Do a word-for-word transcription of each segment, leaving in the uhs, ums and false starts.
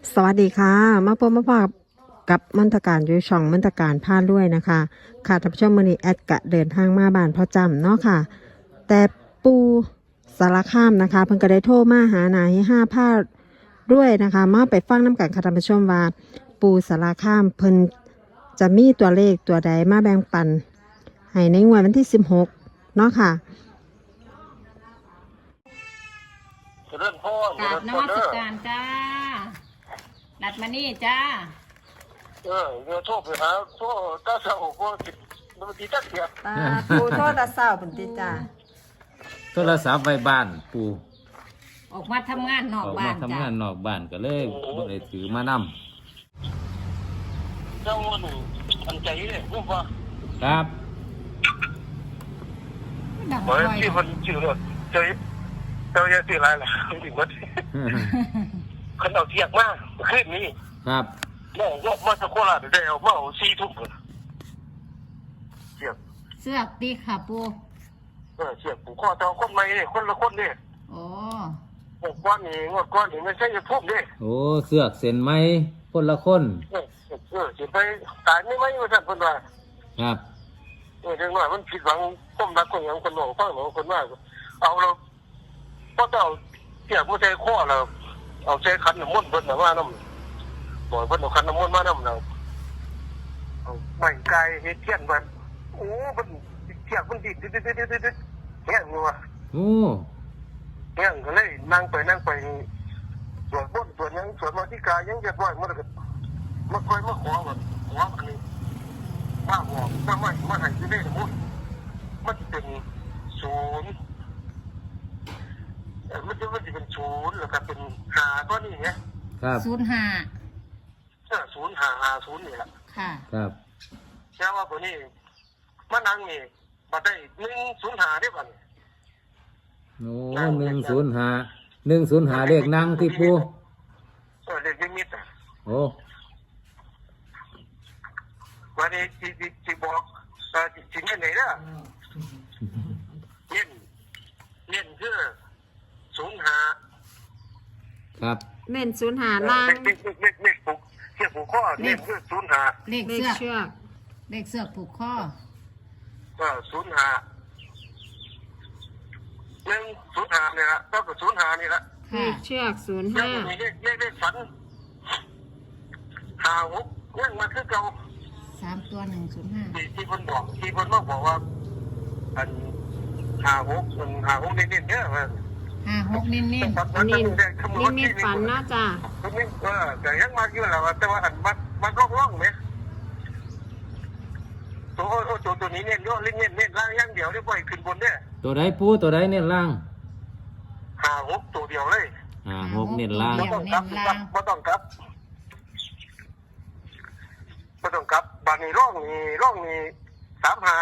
สวัสดีค่ะมาพบมาพบกับมนตการอยู่ช่องมนตการพาด้วยนะคะค่ะท่านผู้ชมมื้อนี้แอดกะเดินทางมาบ้านพ่อจำเนาะค่ะแต่ปูสารคามนะคะเพิ่นก็ได้โทรมาหาหนาให้ห้าพาด้วยนะคะมาไปฟังน้ำกันค่ะท่านผู้ชมว่าปูสารคามเพิ่นจะมีตัวเลขตัวใดมาแบ่งปันให้ในงวดวันที่สิบหกเนาะค่ะเรื่องพ่อกราบนมัสการจ้าดัดมานี่จ้าเออเดี๋ยวโทรไปหาโทรตาเสาก็ติดมันติดตักเสียตาปูโทษตาเศร้าเพิ่นติจ้าโทรศัพท์ไว้บ้านปู่ออกมาทำงานนออก อกบ้ามาน ทำจ้างานนอกบ้านก็เลยบ่ได้ถือมานเจ้าวันอันใจเลยผมว่าำครับดังเฮ้ยไว้ที่มันชื่อรถเจ้าเจ้าจะชื่ออะไรล่ะถึงวัดขันเอาเทียกมากขึ้นนี้ครับแม่ยกมาจากโคราชได้เอามาเอาซีทุ่มเลยเทียกเสื้อกตีค่ะปูเออเทียกผูกข้อเจ้าคนใหม่เนี่ยคนละคนเนี่ยโอ้งวดก้อนนี่งวดก้อนนี่ไม่ใช่จะทุ่มเนี่ยโอ้เสือกเส้นไหมคนละคนเออเออสิไปตายไม่ไหมว่าท่านคนว่าครับเออเรื่องว่ามันผิดหวังต้มรักคนอย่างคนหลงฟังหลงคนว่าเอาเราก็ต้องเอาเทียบผู้ใจข้อเราเอาใจขันน้ำมันต์เพิ่นน่ะว่าน้ำบ่อยเพิ่นเอาขันน้ำมันต์มาน้ำเราเอาไม้ไก่เฮ็ดเทียนมันโอ้มันเทียบมันดิดดิดดิดดิดดิดดิดแห้งอยู่ว่ะโอ้แห้งก็เลยนั่งไปนั่งไปสวดบนสวดหยังสวดมาที่กายยังเรียบร้อยมันก็มาคอยมาขอว่าขออันนี้มาบอกมาไม่มาให้ที่ได้สมมุติมันเป็นศูนย์เออมันจะมันจะเป็นศูนย์แล้วก็เป็นหาตัวนี้ไงครับศูนย์ห้าเออศูนย์หาหาศูนย์นี่แหละค่ะครับแค่ว่าตัวนี้มานั่งนี่มาได้หนึ่งศูนย์หาได้บ้างโอ้หนึ่งศูนย์ห้าหนึ่งศูนย์ห้าเลขนั่งที่ปู่เออเด็กยังมิดอ่ะโอ้วันนี้ที่ที่ที่บอกเออที่ที่เน้นไหนนะเน้นเน้นคือศูนย์หาครับเน้นศูนย์หาล่างเล็กเล็กเล็กเล็กผูกเทียบผูกข้อเน้นคือศูนย์หาเลขเลขเสื้อกเชือกเลขเสื้อกผูกข้อเออศูนย์หาหนึ่งศูนย์หาเนี่ยละต้องกับศูนย์หานี่ละเลค่ะขเชือกศูนย์ยังห้ามีเลขเลขเลขฝันหาหกยังมาคือเก่าสามตัวหนึ่งศูนย์ห้าที่ที่คนบอกที่คนมาบอกว่าอันหาหกมันหาหกเน้นๆเนี่ยมันห้าหกเน้นฝันนิฝันมิตแดงขโมนิยมิตฝันนะจ้านี่เออแต่ยังมาอยู่แล้วแต่ว่าอันมันมันร่องร่องไหมตัวโอ้ตัวตัวนี้เน้นเยอะเล่นเน้นเน้นล่างอย่างเดียวได้ปล่อยขึ้นบนเนี่ยตัวใดปู่ตัวใดเน้นล่างหาหกตัวเดียวเลยอ่าหกเน้นล่างไม่ต้องกลับไม่ต้องกลับไม่ต้องกลับบานนี้ร่องนี่ร่องนี่สามหา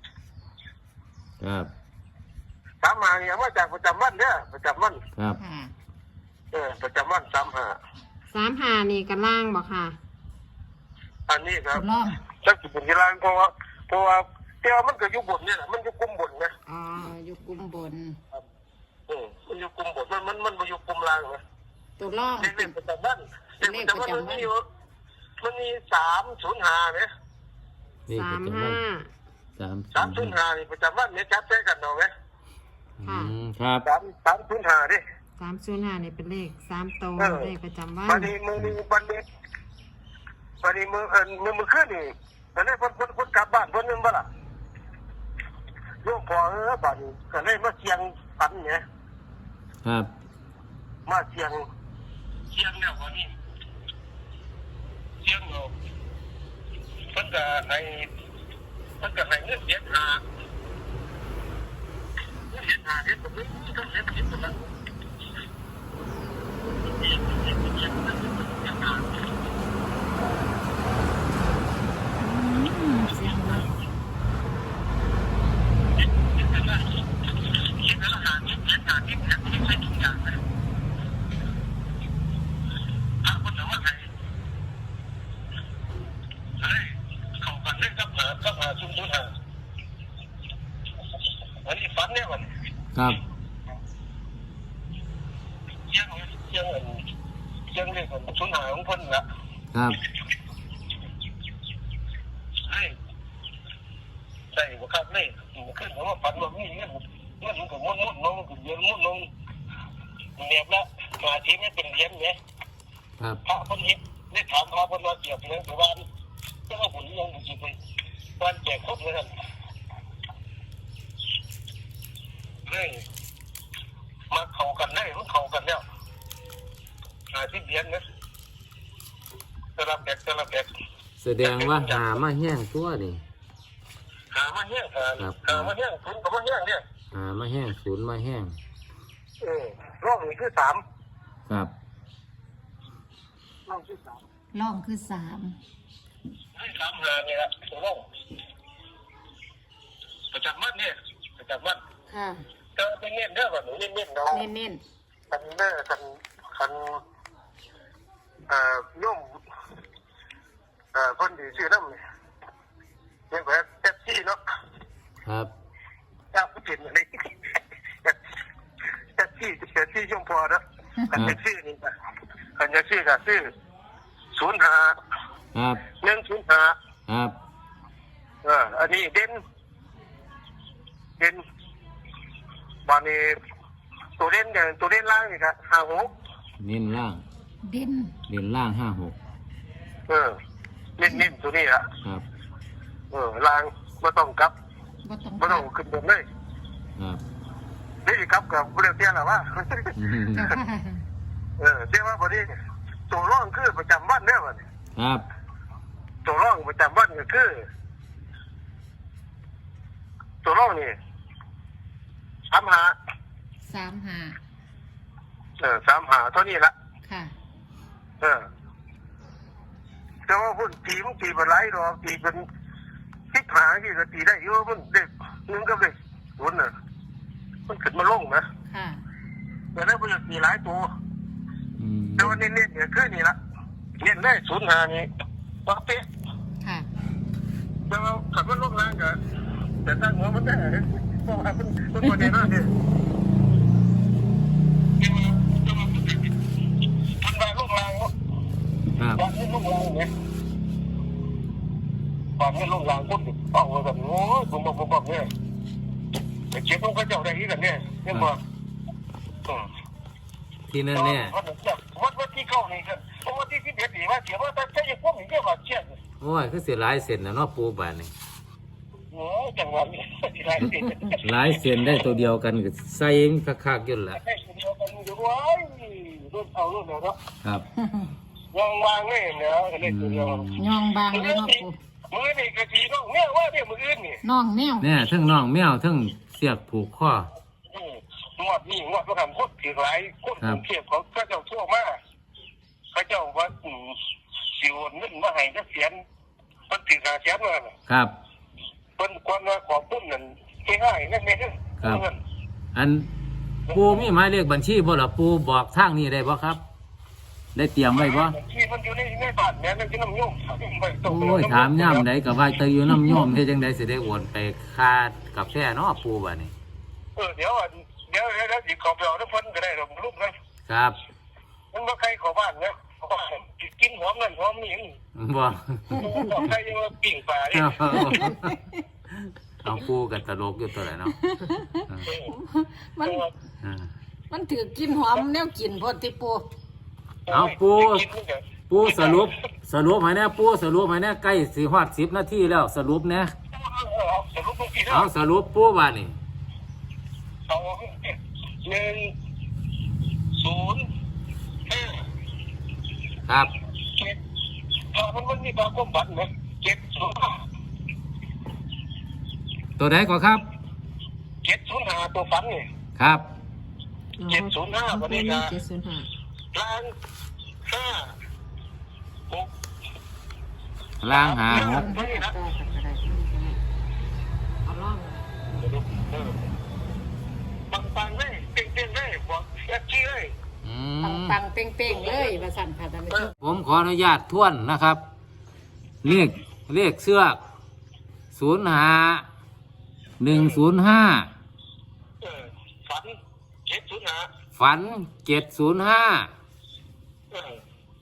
ครับสามหานี่เอามาจากประจำวันเนี่ยประจำวันครับค่ะเออประจำวันสามหาสามหานี่กันล่างบอกค่ะอันนี้ครัทบดลองจักจุดเป็นกีฬาเพราะว่าเพราะว่าเจ้ามันก็อยู่บนเนี่ยแหละมันอยู่กลุ่มบนนะอ๋ออยู่กลุ่มบนเออมันอยู่กลุ่มบนมันมันมันมาอยู่กลุ่มล่างนะตัวล่องเด็กเด็กประจำวันเด็กประจำวันมันมีอยู่มันมีสามศูนย์หาเนี่ยเลขสาประมจำวัห้านสามสามศูนย์หานี่ประจำวันเนี่ยจับใช้กันเอาไหมอืมครับสามสามศูนย์หาดิสามศูนย์ห้านี่เป็นเลขสามโตวเลขประจำวันวันนี้มือนี้วันนี้วันนี้มือเอินมือมือขึ้นนี่แต่เนี่ยคนคนคนกลับบ้านคนนึงบ้าล่ะโยมพอเออบ้านนี้ก็เลยมาเชียงฝันเนี่ยครับมาเชียงเชียงเนี่ยวันนี้เชียงเราเพิ่นก็ให้เพิ่นก็ให้เงินเสียหาเงินเสียหาเฮ็ดแบบนี้ต้องเฮ็ดเฮ็ดแบบนั้นอืมเสียงรถคิดแล้วหาเงินเสียหาที่แท้ที่ใช้ทุกอย่างเลยถ้าคนถามว่าใครเฮ้ยเขาฝันเรื่องกับหากับหาซุ่มซุ่มหาวันนี้ฝันเนี่ยวันครับเชียงเชียงเชียงเลยคนศูนย์หาของเพิ่นละครับให้ได้บ่ครับเลยขึ้นมาฝันว่ามีเงินเงินมันก็มุ่นมุ่นน้องก็เยอะมุ่นน้องเนียบละมาทีไม่เป็นเหรียญเนี่ยครับพระเพิ่นเฮ็ดได้ถามพระเพิ่นว่าเกี่ยวกับเรื่องประวันจะว่าผลยังบ่สิไปวันแจกครบเลยท่านเฮ้ยมาเข้ากันได้มันเข้ากันแล้วหาที่เหรียญนะสลับแบกสลับแบกแสดงว่าหามาแห้งตัวนี่หามาแห้งหาครับหามาแห้งคุณก็มาแห้งเนี่ยหามาแห้งศูนย์มาแห้งเออรอบนี้คือสามครับรอบที่สามล่องคือสามให้สามหาเนี่ยละตัวรอบประจำวันเนี่ยประจำวันค่ะเจอเป็นเงี้ยเด้อแบบหนูเงี้ยๆเนาะเน้นเน้นคันเด้อคันคันเอ่อโยมเอ่อคนดีชื่อน้ำเนี่ยเรียกว่าแท็กซี่เนาะครับถ้าผู้เปลี่ยนอะไรแท็กซี่แท็กซี่ช่วงพอนะคันแท็กซี่นี่นะคันแท็กซี่ก็ซื้อศูนย์หาครับหนึ่งศูนย์หาครับเอออันนี้เด่นเด่นบานนี้ตัวเด่นอย่างตัวเด่นล่างนี่ครับห้าหกเน้นล่างเด่นเด่นล่างห้าหกเออเน้นเน้นตัวนี้อะครับเออล่างไม่ต้องกลับบ่ต้องไม่ต้องขึ้นบนเลยครับนี่กลับกับเรื่องเตี้ยหรอวะอืมเจ้าค่ะเออเตี้ยว่าพอดีตัวร่องคือประจำวันเนี่ยมันครับตัวร่องประจำวันก็คือตัวร่องนี่สามหาสามหาเออสามหาเท่านี้ละค่ะเออแต่ว่าพุ่นตีมันตีเป็นไรหรอกตีเป็นทิศหาที่ก็ตีได้เยอะมันเด็กนึงก็เด็กหุ่นน่ะมันขึ้นมาลงนะค่ะแต่แล้วมันจะตีหลายตัวอืมแต่วันนี้เน้นเนี่ยคือนี่ละเน้นได้ศูนย์หานี่ว่าเป๊ะค่ะแต่ว่าขับรถลงแรงกันแต่ตั้งหัวมันได้เพราะว่ามันมันคนนี้นั่นเนี่ยมันไปลงแรงเนาะครับตอนนี้ลงแรงเนี่ยตอนนี้ลงแรงปุ๊บเอาแบบโอ้ยผมบอกผมบอกเนี่ยแต่เจ็บต้องกระเจ้าได้ที่กันเนี่ยเนี่ยบอกอืมที่นั่นแน่วัดวัดวัดที่เข้านี่กันเพราะว่าที่ที่เด็ดดีว่าเสียว่าถ้าใช้พวกนี้เรียกว่าเชี่ยโอ้ยคือเสียหลายเส้นนะเนาะปูบานนี่โอ้จังหวะนี้ที่ไรสิหลายเส้นได้ตัวเดียวกันก็ใส่คักๆอยู่แหละให้คนเดียวกันอยู่ด้วยรุ่นเอารุ่นเนาะครับวางวางเลยเนาะเล่นตัวเดียวยองบางเลยเนาะปูมือนี่กะทีน้องเนี่ยว่าเนี่ยมืออื่นนี่น้องแมวเนี่ยทั้งน้องแมวทั้งเสียกผูกข้องวดนี่งวดก็ทำโคตรถือหลายโคตรเทียบเขาก็เจ้าทั่วมากเขาเจ้าว่าสิวเงินมาให้จะเสียนมันถือหาเสียนมาครับเป็นความว่าขอบคุณนั่นง่ายๆนั่นเองครับ อันปูมีหมายเลขบัญชีบ่ล่ะปูบอกทางนี้ได้บ่ครับ ได้เตรียมไว้บ่ที่มันอยู่ในในบ้านแม่นั่นคือน้ำยุ่งโอ้ยถามย่ำใดก็ว่าแต่อยู่น้ำโยมเฮ็ดจังได๋สิได้โอนไปค่ากาแฟเนาะปูบัดนี้เออเดี๋ยวเดี๋ยวเดี๋ยวสิขอไปเอาน้ำพันก็ได้หรอกลูกนะครับ มันว่าใครขอบ้านเนี่ยกินหอมนั่นหอมนี่บ่บอกใครยังว่าปิ่งปลาเนี่ยเอาปูกันตลกอยู่ตัวไหนเนาะมันอ่ามันถือกินหอมแนวกินพอติปูเอาปูปูสรุปสรุปให้แน่ปูสรุปให้แน่ใกล้สิฮอดสิบนาทีแล้วสรุปแน่สรุปลูกพี่นะเอาสรุปปูบัดนี้เอาหนึ่งศูนย์ห้าครับเจ็ดถ้ามันมันมีความก้มบันนะเจ็ดศูนย์ห้าตัวไหนก่อนครับเจ็ดศูนย์ห้าตัวฝันนี่ครับเจ็ดศูนย์ห้าวันนี้นะเจ็ดศูนย์ห้าล้านห้าหกล่างหาหกนี่นะเอาล่องปังปังเลยเต่งเต่งเลยบอกแอปจี้เลยอืปังมปังเป้งเป้งๆเลยว่าสั่นค่ะท่านผู้ชมผมขออนุญาตทวนนะครับ เลขเลขเสื้อกศูนย์หาหนึ่งศูนย์ห้าเออฝันเจ็ดศูนย์ห้าฝันเจ็ดศูนย์ห้าเออ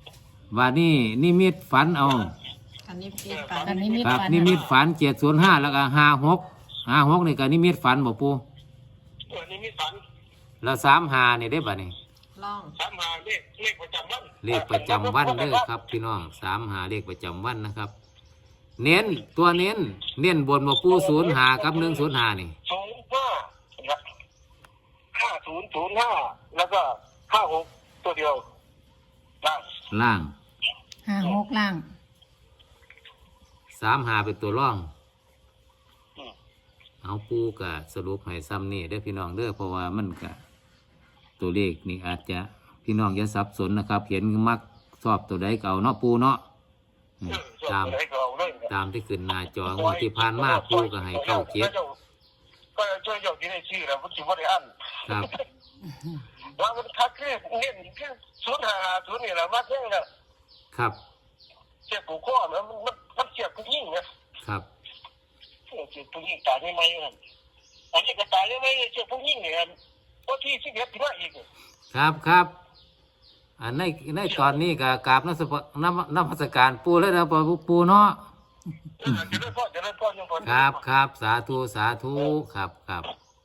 ว่านี่นิมิตฝันเอาอันนี้พี่ปันอันนี้มีครับฝันนิมิตฝันเจ็ดศูนย์ห้าแล้วก็ห้าหกห้าหกนี่ก็นิมิตฝันบ่ปูเออนี่มีฝันแล้วสามหานี่ได้บ่นี่ล่องสามหาเลขเลขประจำวันเลขประจำวันเด้อครับพี่น้องสามหาเลขประจำวันนะครับ เน้นตัวเน้น เน้นบนบ่ปูศูนย์หากับหนึ่งศูนย์หานี่ศูนย์ห้าห้าศูนย์ศูนย์ห้าแล้วก็ห้าหกตัวเดียวล่างล่างห้าหกล่างสามหาเป็นตัวร่องอืมเอาปูกะสรุปให้ซ้ำนี่เด้อพี่น้องเด้อเพราะว่ามันกะตัวเลขนี่อาจจะพี่น้องอย่าสับสนนะครับ เห็นมักชอบตัวใดเก่าเนาะปูเนาะอืมเออตามให้เขาเลยตามที่ขึ้นหน้าจองวดที่ผ่านมาปูก็ให้เก้าเจ็ดก็ช่วยยกที่ได้ชื่อแล้วมันถือว่าได้อันครับว่ามันคัดคือเน้นคือศูนย์ห้าศูนย์นี่แหละมาเท่งเลยครับเจ็บผูกข้อนะมันมันมันเจ็บผู้ยิ่งนะครับ เจ็บผู้ยิ่งตายไม่ไหมนั่นอันนี้ก็ตายไม่ไหมเจ็บผู้ยิ่งเนี่ยเพราะที่สิเอ็ดที่ว่าอีกครับครับอันในในตอนนี้ก็กราบนักสปนับนับพัสการปูแล้วนะปูปูเนาะเออจะเล่นพ่อจะเล่นพ่อยังพ่อครับครับสาธุสาธุครับครับ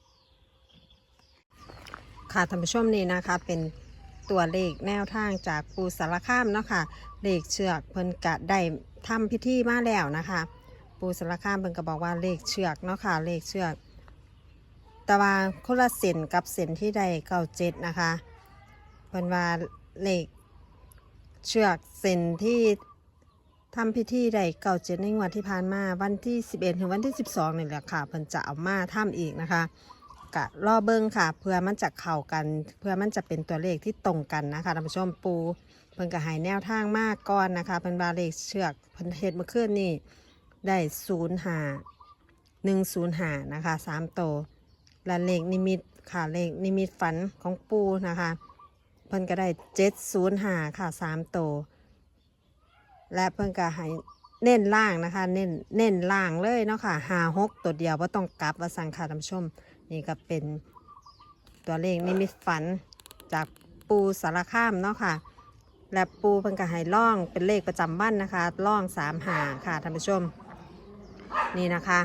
ค่ะท่านผู้ชมนี่นะคะเป็นตัวเลขแนวทางจากปูสารคามเนาะค่ะเลขเชือกเพิ่นกะได้ทำพิธีมาแล้วนะคะ ปูสารคามเพิ่นก็บอกว่าเลขเชือกเนาะค่ะเลขเชือกแต่ว่าคนละเส้นกับเส้นที่ได้เก้าเจ็ดนะคะเพิ่นว่าเลขเชือกเส้นที่ทำพิธีได้เก้าเจ็ดในงวดที่ผ่านมาวันที่สิบเอ็ดถึงวันที่สิบสองนี่แหละค่ะเพิ่นจะเอามาทำอีกนะคะกะรอเบิ้งค่ะเพื่อมันจะเข้ากันเพื่อมันจะเป็นตัวเลขที่ตรงกันนะคะท่านผู้ชมปูเพิ่นก็ให้แนวทางมากก่อนนะคะเป็นบาเลขเชือกเพิ่นเฮ็ดเมื่อคืนนี่ได้ศูนย์หาหนึ่งศูนย์หานะคะสามโตวและเลขนิมิตค่ะเลขนิมิตฝันของปูนะคะเพิ่นก็ได้เจ็ดศูนย์หาค่ะสามโตวและเพิ่นก็ให้เน้นล่างนะคะเน้นเน้นล่างเลยเนาะค่ะหาหกตัวเดียวว่าต้องกลับว่าสั่งค่ะท่านผู้ชมนี่ก็เป็นตัวเลขนิมิตฝันจากปูสารคามเนาะค่ะและปูเพิ่นก็ให้ล่องเป็นเลขประจำวันนะคะล่องสามหาค่ะท่านผู้ชมนี่นะคะ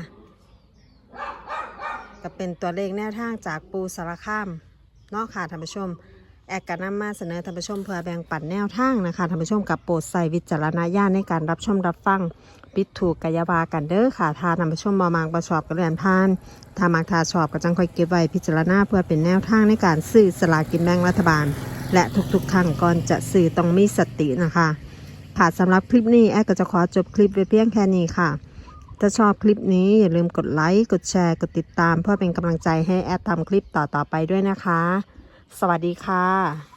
ก็เป็นตัวเลขแนวทางจากปูสารคามเนาะค่ะท่านผู้ชมแอกกันนำมาเสนอท่านผู้ชมเพื่อแบ่งปันแนวทางนะคะท่านผู้ชมกับโปรดใส่วิจารณญาณในการรับชมรับฟังปิดถูกกายบากันเด้อค่ะถ้าท่านผู้ชมมามางประชอบกระเรียนพานถ้ามักทาชอบก็จังค่อยเก็บไว้พิจารณาเพื่อเป็นแนวทางในการซื้อสลากกินแบ่งรัฐบาลและทุกๆครั้งก่อนจะซื้อต้องมีสตินะคะค่ะสำหรับคลิปนี้แอดก็จะขอจบคลิปไว้เพียงแค่นี้ค่ะถ้าชอบคลิปนี้อย่าลืมกดไลค์กดแชร์กดติดตามเพื่อเป็นกำลังใจให้แอดทำคลิปต่อๆไปด้วยนะคะสวัสดีค่ะ